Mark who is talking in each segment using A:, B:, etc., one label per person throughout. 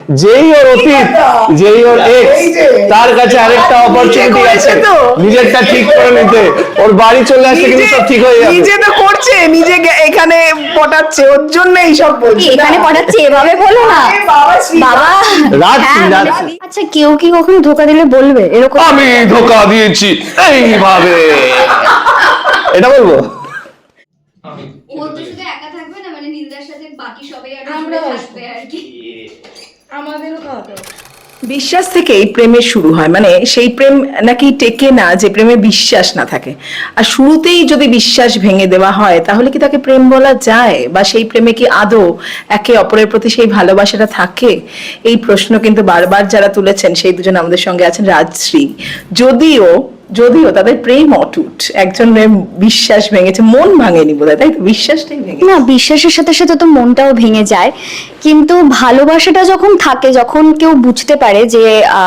A: যেই ওর অতীত, যেই ওর এক্স, তার কাছে আরেকটা অপরচুনিটি আছে নিজেরটা ঠিক করে নিতে। ওর বাড়ি চলে আসলে কিন্তু সব ঠিক হয়ে যাবে।
B: নিজে তো করছে, নিজে এখানে পটাচ্ছে, ওর জন্য এইসব বলছে।
C: এখানে পটাচ্ছে এভাবে বলো না বাবা। আচ্ছা কেউ কি কখনো ধোকা দিলে বলবে এরকম?
A: আমি ধোকা দিয়েছি এইভাবে, এটা বলবো।
D: ও তো শুধু একা থাকবে না, মানে নীলদার সাথে বাকি সবাই আর আমরা থাকবে আর কি। আমাদেরও খাওয়াতে হবে।
B: বিশ্বাস থেকেই প্রেমের শুরু হয়, মানে সেই প্রেম নাকি টেকে না যে প্রেমে বিশ্বাস না থাকে। আর শুরুতেই যদি বিশ্বাস ভেঙে দেওয়া হয় তাহলে কি তাকে প্রেম বলা যায়, বা সেই প্রেমে কি আদৌ একে অপরের প্রতি সেই ভালোবাসাটা থাকে? এই প্রশ্ন কিন্তু বারবার যারা তুলেছেন সেই দুজন আমাদের সঙ্গে আছেন রাজশ্রী। যদিও তাদের প্রেম অটুট, একজনের বিশ্বাস ভেঙেছে, মন ভাঙেনি বোধহয়, তাই তো? বিশ্বাসটাই ভেঙে
C: না, বিশ্বাসের সাথে সাথে তো মনটাও ভেঙে যায়, কিন্তু ভালোবাসাটা যখন থাকে, যখন কেউ বুঝতে পারে যে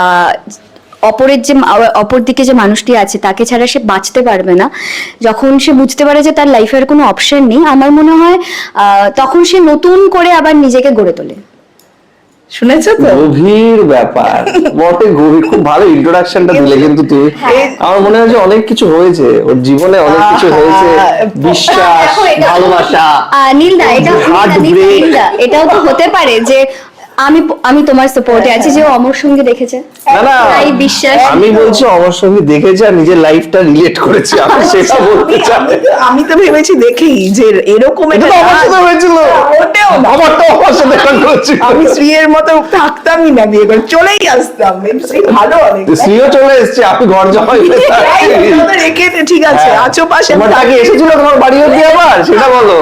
C: অপর দিকে যে মানুষটি আছে তাকে ছাড়া সে বাঁচতে পারবে না, যখন সে বুঝতে পারে যে তার লাইফের কোনো অপশন নেই, আমার মনে হয় তখন সে নতুন করে আবার নিজেকে গড়ে তোলে।
B: শুনেছো তো?
A: গভীর ব্যাপার বটে, গভীর। খুব ভালো ইন্ট্রোডাকশনটা দিলে কিন্তু তুমি। আমার মনে হয় যে অনেক কিছু হয়েছে ওর জীবনে, অনেক কিছু হয়েছে, বিশ্বাস, ভালোবাসা।
C: নীলদা, এটাও তো হতে পারে যে আমি তোমার সাপোর্টে আছি, যে অমর সঙ্গে দেখেছে,
A: না
C: তাই বিশ্বাস।
A: আমি বলছি অমর সঙ্গে দেখেছে আর নিজের লাইফটা রিলেট করেছে, আমি সেটা বলতে চাই।
B: আমি তো ভেবেছি দেখেই যে এরকম
A: এটা তো আমার সাথে হয়েছিল, আমারটাও আমার সাথে হয়েছিল।
B: আমি শ্রীয়ের মতো থাকতামই না, বিয়ে করে চলেই আসতাম। শ্রী ভালো, অনেক
A: শ্রীও চলে এসছে, আপনি ঘর জামাই
B: রেখে ঠিক আছে, আছো পাশে।
A: তোমার টাকা এসেছিল তোমার বাড়ি অব্দি, আবার সেটা বলো।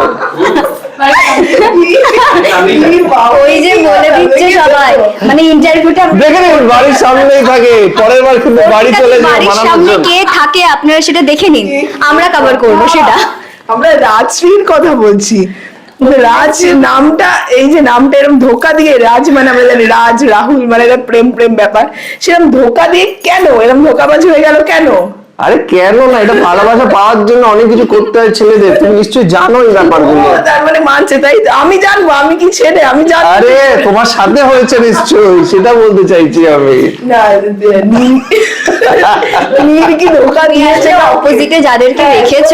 C: ওই যে বলে দিচ্ছে সবাই, মানে ইন্টারভিউটা
A: দেখে নিন, বাড়ির সামনেই থাকে, পরের বার কিন্তু বাড়ি চলে যাবে
C: বাড়ির সামনে কে থাকে আপনারা সেটা দেখে নিন, আমরা কভার করবো সেটা।
B: আমরা রাজশ্রীর কথা বলছি। রাজ নামটা, এই যে নামটা এরকম ধোকা দিয়ে, রাজ মানে আমরা জানি রাজ রাহুল মানে এটা প্রেম প্রেম ব্যাপার, সেরকম ধোকা দিয়ে কেন এরকম ধোকাবাজ হয়ে গেল কেন?
A: আরে কেন না, এটা ভালোবাসা পাওয়ার জন্য অনেক কিছু করতে হয় ছেলেদের, তুমি নিশ্চয়ই জানো এই ব্যাপারগুলো।
B: তার মানে মানছে, তাই আমি জানবো, আমি কি ছেলে, আমি জানবো।
A: আরে তোমার সাথে হয়েছে নিশ্চয়ই, সেটা বলতে চাইছি আমি।
B: না, নীল কি ধোকা দিয়েছে?
C: অপোজিটে যাদেরকে রেখেছো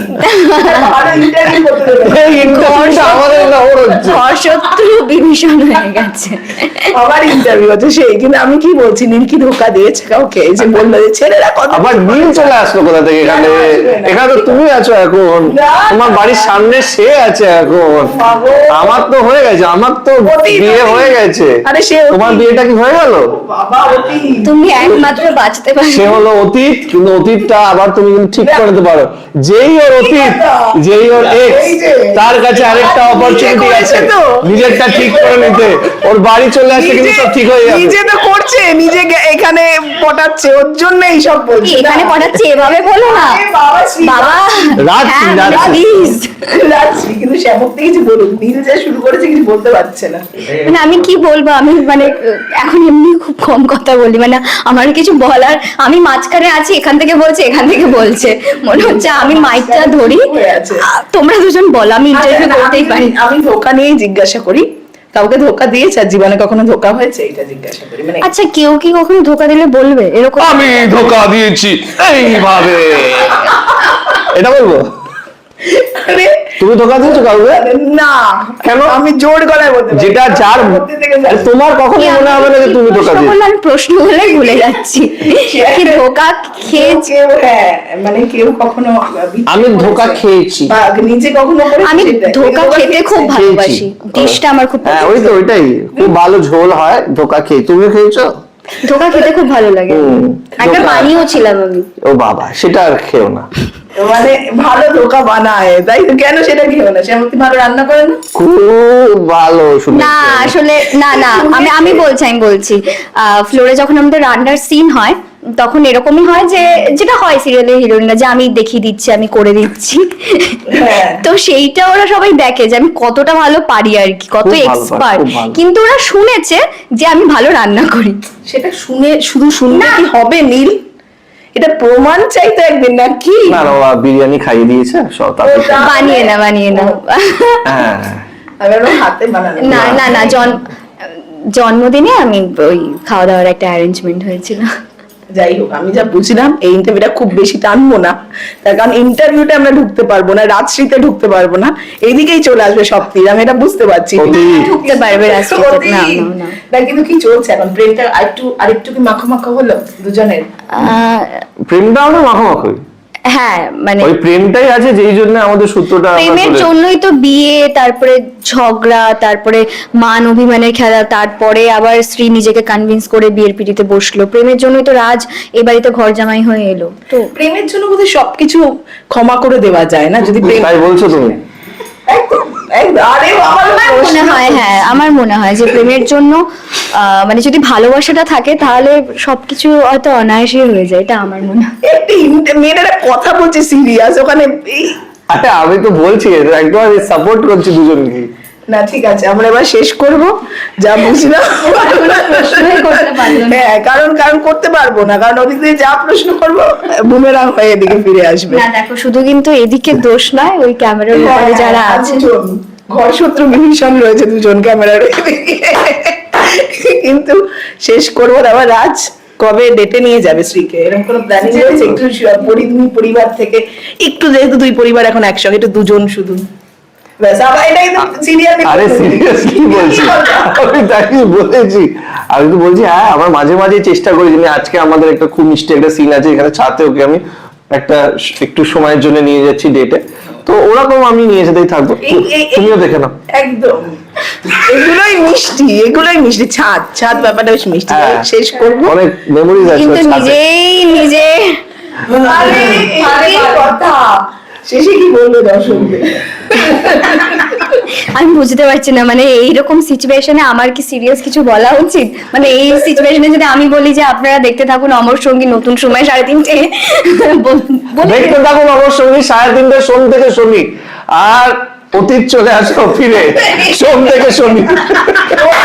C: শত্রু বিভীষণ হয়ে গেছে,
B: আবার ইন্টারভিউ হচ্ছে সেই, কিন্তু আমি কি বলছি, নীল কি ধোকা দিয়েছে কাউকে? এই যে বললো যে ছেলেরা কত,
A: আবার নীল চলে আসলো কোথা থেকে এখানে? এখানে তো তুমি আছো এখন, তোমার বাড়ির সামনে সে আছে এখন। আমার তো হয়ে গেছে, আমার তো বিয়ে হয়ে গেছে।
B: আরে সে
A: তোমার বিয়েটা কি হয়ে গেল?
C: তুমি একমাত্র বাঁচতে পারো।
A: সে হলো অতীত, কিন্তু অতীতটা আবার তুমি কিন্তু ঠিক করে নিতে পারো। যেই ওর অতীত, যেই ওর এক্স, তার কাছে আরেকটা অপরচুনিটি আছে নিজেরটা ঠিক করে নিতে। ওর বাড়ি চলে আসলে কিন্তু সব ঠিক হয়ে যাবে।
B: নিজে তো করছে, নিজে এখানে পটাচ্ছে, ওর জন্য এইসব বলছে।
C: এখানে পটাচ্ছে এভাবে বলো না বাবা। প্লিজ,
B: কিন্তু শ্যামক থেকে কিছু বলুন, নীল যা শুরু করেছে কিছু বলতে পারছে না।
C: মানে আমি কি বলবো, আমি মানে এখন এমনি খুব কম কথা বলি, মানে আমার কিছু বলার, আমি মাঝখানে আছি, এখান থেকে বলছে এখান থেকে বলছে, মনে হচ্ছে আমি মাইকটা ধরি, তোমরা দুজন বলো, আমি ইন্টারভিউ করতেই পারি।
B: আমি ধোকা নিয়েই জিজ্ঞাসা করি, কাউকে ধোকা দিয়েছে আর জীবনে কখনো ধোকা হয়েছে, এটা জিজ্ঞাসা করি। মানে
C: আচ্ছা কেউ কি কখনো ধোকা দিলে বলবে এরকম?
A: আমি ধোকা দিয়েছি এইভাবে, এটা বলবো। তুমি ধোকা দিয়েছো কাউকে?
B: না।
A: কেন?
B: আমি জোর গলায় বলতে পারি।
A: যেটা যার তোমার কখনোই মনে হবে না যে তুমি ধোকা দিয়েছো।
C: আমি প্রশ্ন বলে ভুলে যাচ্ছি কি ধোকা খেয়েছি।
B: হ্যাঁ, মানে কেউ কখনো
A: আমি ধোকা খেয়েছি,
B: নিজে কখনো
C: আমি ধোকা খেতে খুব ভালোবাসি, ডিশটা আমার খুব
A: হ্যাঁ ওই তো ওইটাই, খুব ভালো ঝোল হয়, ধোকা খেয়ে। তুমি খেয়েছো?
C: ধোকা খেতে খুব ভালো লাগে, একটা বানিয়েও ছিলাম আমি।
A: ও বাবা, সেটা আর খেও না।
B: মানে ভালো ধোকা বানায়, তাই তো? কেন সেটা খেও না? শ্যামতী ভালো রান্না করে না?
A: খুব ভালো শুনেছি।
C: না আসলে না আমি বলছি ফ্লোরে যখন আমাদের রান্নার সিন হয় তখন এরকমই হয় যে যেটা হয় সিরিয়ালের হিরোইনরা, যে আমি দেখিয়ে দিচ্ছি, আমি করে দিচ্ছি, তো সেইটা ওরা সবাই দেখে যে আমি কতটা ভালো পারি আর কি, কত এক্সপার্ট, কিন্তু ওরা শুনেছে যে আমি ভালো রান্না করি।
B: সেটা শুধু শুনলে কি হবে নীল? এটা প্রমাণ চাই তো একদিন, না কি?
A: না বাবা, বিরিয়ানি খাইয়ে দিয়েছে সব,
C: বানিয়ে না
A: হ্যাঁ
B: আমি হাতে বানানো
C: না জন জন্মদিনে আমি ওই খাওয়া দাওয়ার একটা অ্যারেঞ্জমেন্ট হয়েছিল।
B: যাই হোক, আমি যা বুঝলাম এই ইন্টারভিউটা খুব বেশি টানবো না, তার কারণ ইন্টারভিউতে আমরা ঢুকতে পারবো না, রাজশ্রীতে ঢুকতে পারবো না, এইদিকেই চলে আসবে সব তীর, আমি এটা বুঝতে পারছি।
C: ঢুকতে পারবে রাজশ্রীতে, না না না।
B: না, কিন্তু কি চলছে এখন, প্রেমটা আরেকটু কি মাখো হলো দুজনের?
A: প্রেমটাও না মাখামাখি,
C: হ্যাঁ মানে
A: ওই প্রেমটাই আছে যেই জন্য আমাদের সূত্রটা আমরা
C: প্রেমের
A: চলে-
C: জন্যই তো বিয়ে, তারপরে ঝগড়া, তারপরে মান অভিমানের খেলা, তারপরে আবার স্ত্রী নিজেকে কনভিন্স করে বিয়ের পিড়িতে বসলো। প্রেমের জন্যই তো রাজ এ বাড়িতে ঘর জামাই হয়ে এলো। তো
B: প্রেমের জন্য বোধহয় সবকিছু ক্ষমা করে দেওয়া যায় না, যদি প্রেম।
A: তাই বলছো তুমি?
B: একদম, একদম। আরে বাবা,
C: আমার মনে হয়, হ্যাঁ আমার মনে হয় যে প্রেমের জন্য মানে যদি ভালোবাসাটা থাকে তাহলে সবকিছু হয়তো অনায়াসে হয়ে যায়, এটা আমার মনে হয়।
B: মেয়েরা কথা বলছে সিরিয়াস ওখানে
A: আরে আমি তো বলছি একদম সাপোর্ট করছি দুজনকে।
B: না ঠিক আছে, আমরা এবার শেষ করব, যা বুঝলাম।
C: প্রশ্নই করতে পারলো না।
B: হ্যাঁ, কারণ করতে পারবো না, কারণ ওদিক দিয়ে যা প্রশ্ন করবো বুমেরাং হয়ে এদিকে ফিরে আসবে।
C: না দেখো, শুধু কিন্তু এদিকে দোষ নয়, ওই ক্যামেরার উপরে যারা
B: হ্যাঁ,
C: আছে
B: দুজন ঘর শত্রু বিভীষণ রয়েছে, দুজন ক্যামেরার কিন্তু শেষ করবো না। আবার রাজ কবে ডেটে নিয়ে যাবে শ্রীকে, এরকম কোনো প্ল্যানিং রয়েছে? একটু দুই পরিবার থেকে একটু, যেহেতু দুই পরিবার এখন একসঙ্গে, একটু দুজন শুধু ব্যাস, আবার এটাই তো সিরিয়াল।
A: আরে সিরিয়াসলি বলছি, আমি তাকে বলেছি, আমি তো বলছি হ্যাঁ আমার মাঝে মাঝে চেষ্টা করি যে আজকে আমাদের একটা খুব মিষ্টি একটা সিন আছে এখানে ছাতে, ওকে আমি একটু সময়ের জন্য নিয়ে যাচ্ছি ডেটে, তো ওরকম আমি নিয়ে যেতেই থাকবো, তুমিও দেখে নাও।
B: একদম, এগুলোই মিষ্টি, ছাদ ব্যাপারটা বেশ মিষ্টি।
A: হ্যাঁ।
B: শেষ করবো,
A: অনেক মেমোরিজ আছে
C: কিন্তু
A: ওর সাথে।
C: নিজে
B: আরে কথা শেষে কি বলবো দর্শকদের?
C: আমি বুঝতে পারছি না, মানে এইরকম সিচুয়েশনে আমার কি সিরিয়াস কিছু বলা উচিত? মানে এই সিচুয়েশনে যদি আমি বলি যে আপনারা দেখতে থাকুন অমর সঙ্গী নতুন সময় 3:30,
A: দেখতে থাকুন আমার সঙ্গী 3:30 সোম থেকে শনি, আর অতীত চলে আসো ফিরে সোম থেকে শনি।